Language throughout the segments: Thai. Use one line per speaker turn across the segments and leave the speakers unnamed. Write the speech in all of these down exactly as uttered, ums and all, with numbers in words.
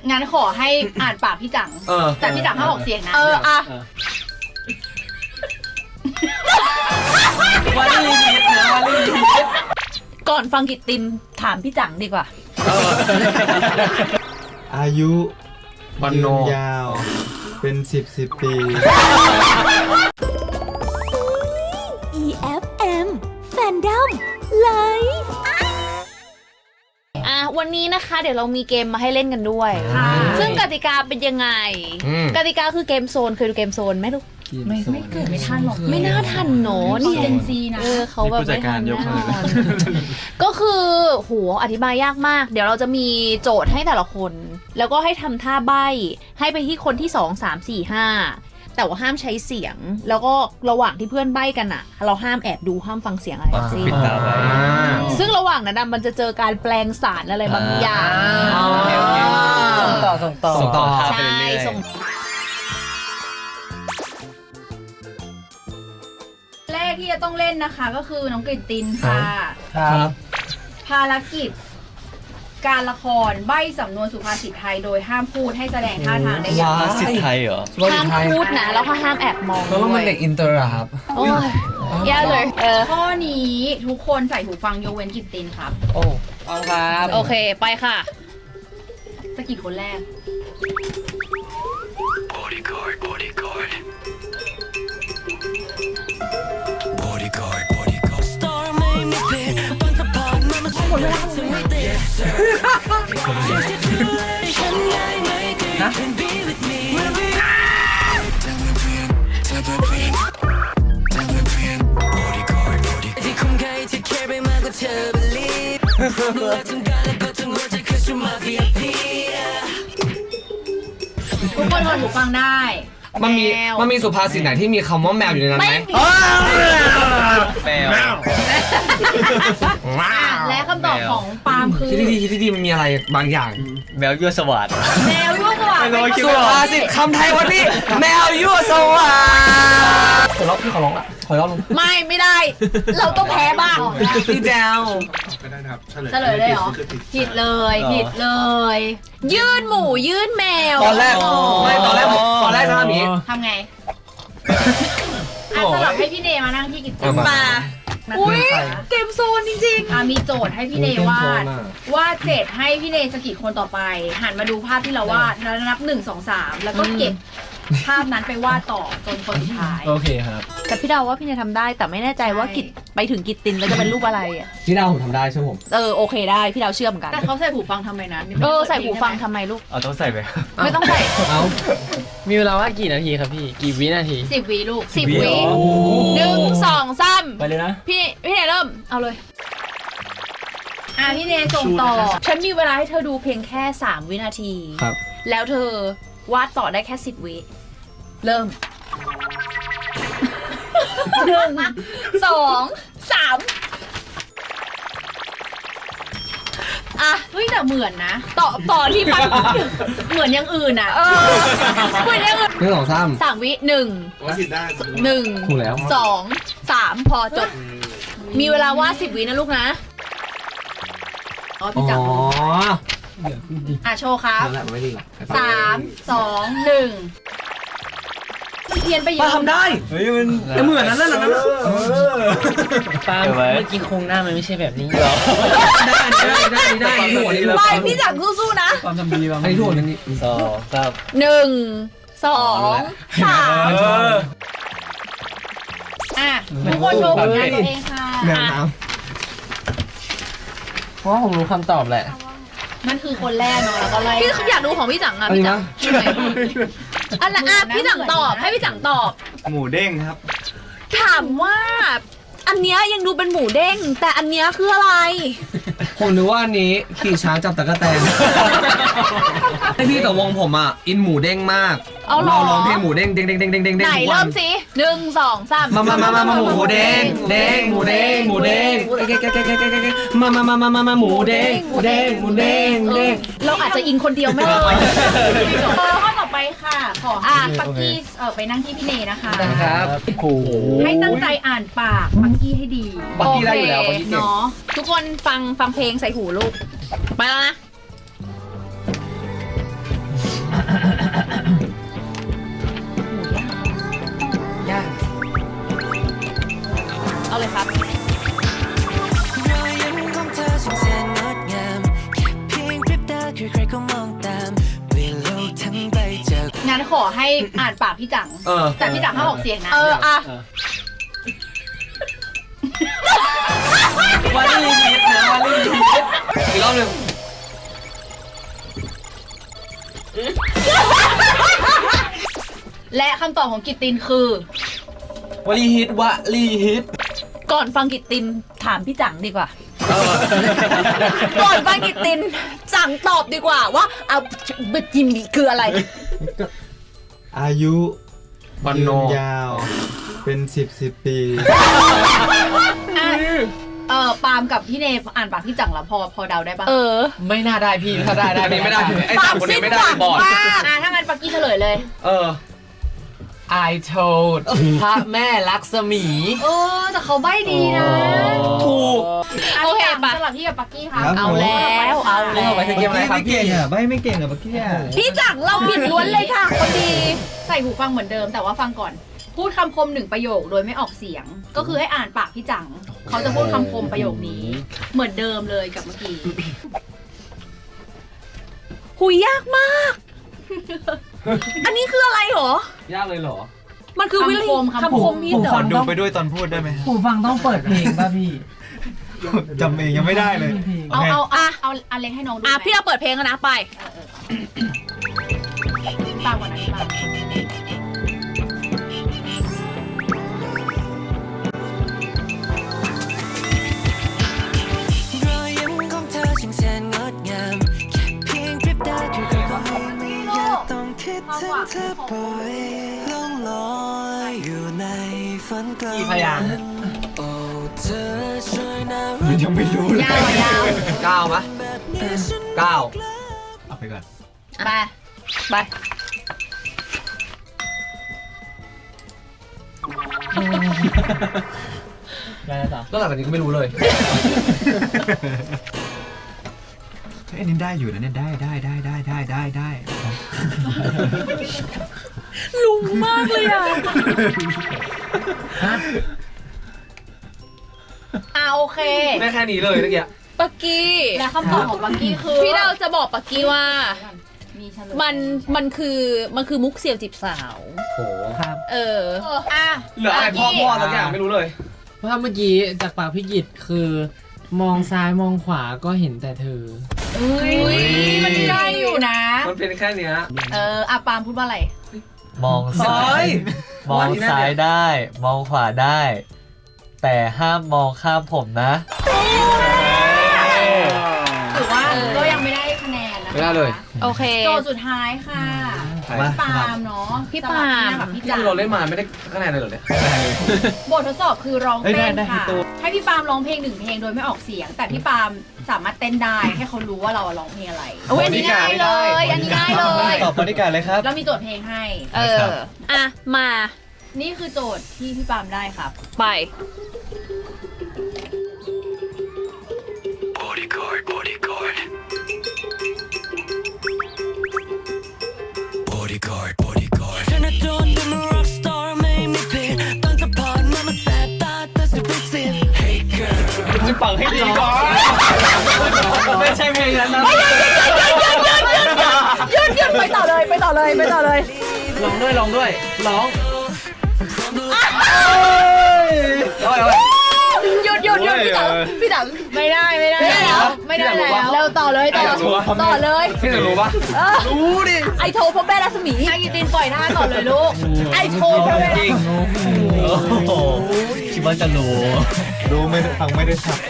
งั้นขอให้อ่านปากพี่จังแต่พี่จังห้ามออกเสียงนะ
เอออะ
วาลีฮิตนะวาลีฮิต
ก่อนฟังกิตตินถามพี่จังดีกว่า
อายุยืนยาวเป็นสิบสิบปี
อี เอฟ เอ็ม Fandom Live
อ่ะวันนี้นะคะเดี๋ยวเรามีเกมมาให้เล่นกันด้วยซึ่งกติกาเป็นยังไงกติกาคือเกมโซนเคยดูเกมโซนไหมลูก
ไม่ไม่เกิดไม่ทันหรอก
ไม่น่าทันเนอะนี่
เจนซีนะ
เออเขาแบบไม่ทันแน่นอนก็คือโหอธิบายยากมากเดี๋ยวเราจะมีโจทย์ให้แต่ละคนแล้วก็ให้ทำท่าใบ้ให้ไปที่คนที่สองสามสี่ห้าแต่ว่าห้ามใช้เสียงแล้วก็ระหว่างที่เพื่อนใบ้กันอ่ะเราห้ามแอบดูห้ามฟังเสียงอะไรทั้งสิ้นซึ่งระหว่างนั้นมันจะเจอการแปลงสารอะไรบางอย่าง
ส่งต่อส่งต่อส่งต่อ
ใช่ส่ง
แรกที่จะต้องเล่นนะคะก็คือน้องกฤตตินค่ะ
ครับ
ภารกิจการละครใบ้สำนวนสุภาษิตไทยโดยห้ามพูดให้แสดงท่าทางได้อย่าง
สุภาษิตไทยเหรอ
ห้ามพูดนะแล้วก็ห้ามแอบมอง
เพราะว่ามันเด็กอินเตอร์อะครับ
โอ้ยแย่เลยเออ
ข้อนี้ทุกคนใส่หูฟังยกเว้นกฤตตินครับ
โอ้เอาครับ
โอเคไปค่ะ
สกิดคนแรก
Bodyguard Bodyguard Bodyguard Bodyguard Star made me pay
หมดเวลา
นะ
ที่คุ้มค่าที่แค่ไปมากกว่าเธอ believe ดูแลทั้งกายและก็ทั้งหัวใจคือสุดมา วี ไอ พี
ทุกคนถอดหูฟังได้
มันมีมันมีสุภาษิตไหนที่มีคำว่าแมวอยู่ในนั้นไหมแมว
และคำตอบของปาล์มคือ
ที่ดีที่ดีมันมีอะไรบางอย่าง
แมวยั่วสวัสดิ์
แมวยั่วสวัสดิ์
สุภาษิตคำไทยวันนี้แมวยั่วสวัสดิ์ขอร้องพี่ขอร้องอ่ะขอร้องลง
ไม่ไม่ได้เราต้องแพ้บ้าง
พี่แจว
ก็ได้นะครับ
เฉลยเลยเหรอผิดเลยผิดเลย
ยื่นหมูยื่นแมว
ตอนแรกไม่ตอนแรกตอนแรกทำแบบนี้
ทำไงอ่ะสลับให้พี่เนมานั่งที่กิจกรรม
มาอุ้ยเกมโซนจริง
ๆอ่ะมีโจทย์ให้พี่เนวาดวาดเสร็จให้พี่เนสกิดคนต่อไปหันมาดูภาพที่เราวาดแล้วนับหนึ่งสองสามแล้วก็เก็บภาพนั้นไปวาดต่อจนคนสุดท้าย
โอเคครับ
แต่พี่ดาวว่าพี่เนทำได้แต่ไม่แน่ใจว่ากิจไปถึงกิจตินแล้วจะเป็นรูปอะไรอ่ะ
พี่ดาวผมทำได้ใช่ผม
เออโอเคได้พี่ดาวเชื่อมกัน
แต่เขาใส่หูฟังทำไมนะ
เออใส่หูฟังทำไมลูก
เอาต้องใส่ไป
ไม่ต้องใส่
เอามีเวลาว่ากี่นาทีครับพี่กี่วินาที
สิบวิลูก
สิบวิหนึ่งสองสาม
ไปเลยนะ
พี่พี่เนเริ่มเอาเลย
อ่ะพี่เนส่งต่อ
ฉันมีเวลาให้เธอดูเพียงแค่สามวินาที
ครับ
แล้วเธอวาดต่อได้แค่สิบวิเริ่มหนึ่งสองสาม
อ่ะเฮ้ยแต่เหมือนนะ
ต่อต่อที่มัน
เหมือนอย่างอื่นอ่ะ
เหมือนอย่างอื่น
หนึ่งสองสาม
สามวิหนึ่งหนึ่ง
ถูกแล้ว
สองสามพอจบมีเวลาวาดสิบวินะลูกนะ
อ๋อพี่จังอ่ะโชว์ครับสามสองหนึ่งเพียนไปเยอะ
ป้าทำได้เฮ้ยมันเหมือนนั้นนั่นนั่น
ป้าเมื่อกี้โครงหน้ามันไม่ใช่แบบนี้หรอ
ได้ได้ได้ได้หัวนี่
ไปพี่จังสู้ๆนะ
ความทำดีบ้างไอ้หัวนี่
สองสาม
หนึ่งสองสาม
อ่ะทุกคนโชว์ผลงานตัวเองค่ะ
เพราะผมรู้คำตอบแหละ
นั่นคือคนแรกเนาะแล้วก็ไล่
พี่อยากดูของพี่จังอ่ะพี่จังอันละอ่ะพี่จังตอบให้พี่จังตอบ
หมูเด้งครับ
ถามว่าอันเนี้ยยังดูเป็นหมูเด้งแต่อันเนี้ยคืออะไร
ผมนึกว่าอันนี้ขี่ช้างจับตะกั่วแตนให้พี่แต่วงผมอ่ะอินหมูเด้งมากเราร้องเพลงหมูเด้งเด้งเด้งเด้งเด้งเด้ง
ไหนเริ่มสิหนึ่งสองสาม
มามามามาหมูเด้งเด้งหมูเด้งหมูเด้งมามามามามามาหมูเด้งหมูเด้งหมูเด้งเด้ง
เราอาจจะอินคนเดียวไม่ได้
ข้อต่อไปค่ะขอให้ปักกี้เออไปนั่งที่พี่เนนะคะ
ครับโอ้โห
ให้ตั้งใจอ่านปากปักกี้ให้ดี
ปักกี้ได้อยู่แล้วปักกี้เนาะ
ทุกคนฟังฟังเพลงใส่หูลูกไปแล้วนะ
ตามเปลี่ยนโลกทั้งใบจาก
งั้นขอให้อ่านปากพี่จัง
เออ
แต่พี่จังห้ามออกเสียงนะ
เอออ่ะ
วาลีฮิตนะวาลีฮิตอีกรอบหนึ่ง
และคำตอบของกิตตินคือ
วาลีฮิตวาลีฮิต
ก่อนฟังกิตตินถามพี่จังดีกว่า ก่อนฟังกิตตินจังตอบดีกว่าว่าเอาบจิมคืออะไร
อายุ
วัน
ยื
โน
นยาว เป็นสิบสิบปี
อ่ะเออปาล์มกับพี่เนยอ่านปากพี่จังแล้วพอพอเดาได้ปะ
เออ
ไม่น่าได้พี่ถ้าได้ได้
อันนี้ไม่ได้ไอ้สามคนนี้ไม่ได้บอด
อ่ะถ้างั้นปักกี้เฉลยเลย
เออ
I told พระแม่ลักษมี
เออแต่เขาใบ้ดีนะ
ถูก
ะ
โอเค
พี่จัง
ปะ
สลับพี่กับปักกี้ค่ะ
ครับ
เอาแล้วเอาแล้ว
ไปถึงเกมอะไรครับ
ไม่เก่งอ่ะใบไม่เก่งอ่ะเมื่อกี้อ่ะ
พี่จังเราผิดล้วนเลยค่ะคนดี
ใส่หูฟังเหมือนเดิมแต่ว่าฟังก่อน พูดคำคมหนึ่งประโยคโดยไม่ออกเสียง ก็คือให้อ่านปากพี่จัง เขาจะพูดคำคมประโยคนี้ เหมือนเดิมเลยกับเมื่อกี้
หุยยากมาก อันนี้คืออะไรหรอ
ยากเลยเหรอ
มันคือวิธี
คำคมคำคม
คำคมฮิต
ผม
เหร
ข
อ
อดูไปด้วยตอนพูดได้ไหม
หูฟังต้องเปิดเพลงป่ะพี่
จำเองยังไม่ได้เลย
เอา
โค
เอาเอาเอาอันเล็กให้น้องดู
อ่ะ
ไหม
พี่เราเปิดเพลงกันนะไป
ตามก่อนนะตาม
รอยยิ้มของเธอช่างแสนงดงามแค่เพียงพริบตาคือใครก็ไม่ไม่อยากต้องคิดถึงเธอบ่อยล่องลอยอยู่ในฝันกลาง
กี่พยางค์
โอ้เธอช่วยน่ารัก
ยังไม่รู้เลย
ยาวอ่ะยาว
เก้าไหม
แบบนี้ฉัน
เก้า
เอาไปก่อน
ไป
ไป
ได้แล้วต่อ
แล้วหลังจากนี้ก็ไม่รู้เลย
เฮ้ยอันนี้ได้อยู่นะเนี่ยได้ได้ได้ได้ได้ได้ได้
ลุงมากเลยอ่ะ
อ่ะโอเค
ได้แค่นี้เลยเมื่อกี้
ปักกี้
และคำตอบของปักกี้คือ
พี่เราจะบอกปักกี้ว่า
มีเฉลย
มันมันคือมันคือมุกเสี่ยวจีบสาว
โห
ครับ
เออ
เอออ่ะ
เหลืออะไรพ่อพ่อสักอย่างไม่รู้เลย
เพราะว่าเมื่อกี้จากปากพี่กิตคือ มองซ้ายมองขวาก็เห็นแต่เธอ
อุ้ยมันใกล้อยู่นะ
มันเป็นแค่เนี้ย
เอออ่ะปาล์มพูดว่าอะไร
มองซ้า
เฮ้
ย
ย
มองซ้ายได้ มองขวาได้ แต่ห้ามมองข้ามผมนะ
ถือว่าก็ยังไม่ได้คะแนนนะคะ
ไม่ได้เลย
โอเค
โจทย์สุดท้ายค่ะพี่ปาล์มเนาะ
พี่ปาล์ม
สลับพี่
นี่
จัง
คือเราเล่นมาไม่ได้คะแนนเลยเหรอเนี่ย
บททดสอบคือร้อง
เอ้ย
เต้น
ได้ได้
ค่ะ
ให้ตัว
ให้พี่ปาล์มร้องเพลงหนึ่งเพลงโดยไม่ออกเสียง แต่พี่ปาล์มสามารถเต้นได้ให้เขารู้ว่าเราร้องเพลงอะไรโอ้ยอันนี้ง่ายเลย อันนี้ง่ายเลย
ตอบบริการเลยครับ
แล้วมีโจทย์เพลงให้
เออ อ่ะ มา
นี่คือโจทย์ที่พี่ปาล์มได้ครับ
ไป
Bodyguard Bodyguard Bodyguard Bodyguard ฉันน่ะโดนเป็น rock star ไม่มีผิดต้องจะผ่านมามันแสบตาแต่สิบเป็นสิบ Hey girl
จะฟังให้ดีก่อนไม่ใช่เพลงนั้นนะ
หยุดหยุดไปต่อเลยไปต่อเลยไปต่อเลย
ลองด้วยลองด้วยร้อง
เอาเอา
หยุดหยุดหยุดพี่ตังพี่ตัง
ไม่ได้ไม่ได้แล้วไม่ได้แล้ว
เร็วต่อเลยต่อต่อเลย
พี่จะรู้ปะ
รู้ดิ ไอโทรพ่อแม่รัศมี
ให้กิตินปล่อยท่าต่อเลยลูก
ไอโทรพ่อแม่
จริง
โอ้โหคิดว่าจะรู้
รู้ไม่ได้ฟังไม่ได้ชัด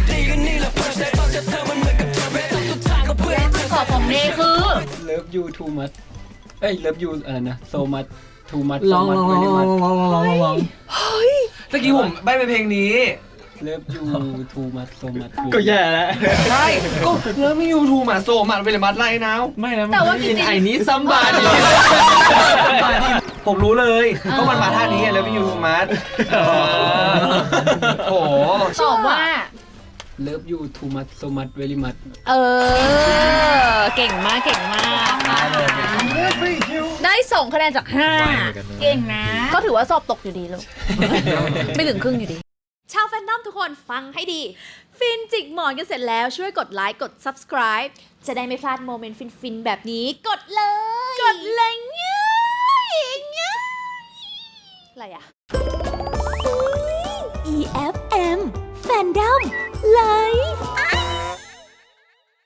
ขอบของเนคือ
Love you too much เอ้ย Love you อะไรนะ so much too much
ลองลองลองลองลองลองลองลอง
ตะกี้ผมใบเป็นเพลงนี้
Love you too much so much
ก็แย่แล้ว
ใช่ ก็เริ่มไม่ยูทูมาโซมันเป็นมัดไล่นาว
ไม่แล้ว
แต่ว่ากิติน
ไอ้นี้ซัมบาดี
ผมรู้เลย ก็มันมาท่านี้ไงแล้วพี่ยูทูมัดโอ้โห
ตอบว่า
Love you too much so much very much
เออ เก่งมากเก่งมาก ได้สองคะแนนจากห้า
เก่งนะ
ก็ถือว่าสอบตกอยู่ดีลูก ไม่ถึงครึ่งอยู่ดี
ชาวแฟนนอมทุก
กคนฟังให้ดี ฟินจิกหมอนกันเสร็จแล้วช่วยกดไลค์กด subscribe จะได้ไม่พลาดโมเมนต์ฟินๆแบบนี้กดเลย กดเลยง่ายง่ายอะไรอะ
อี เอฟ เอ็ม Fandom Live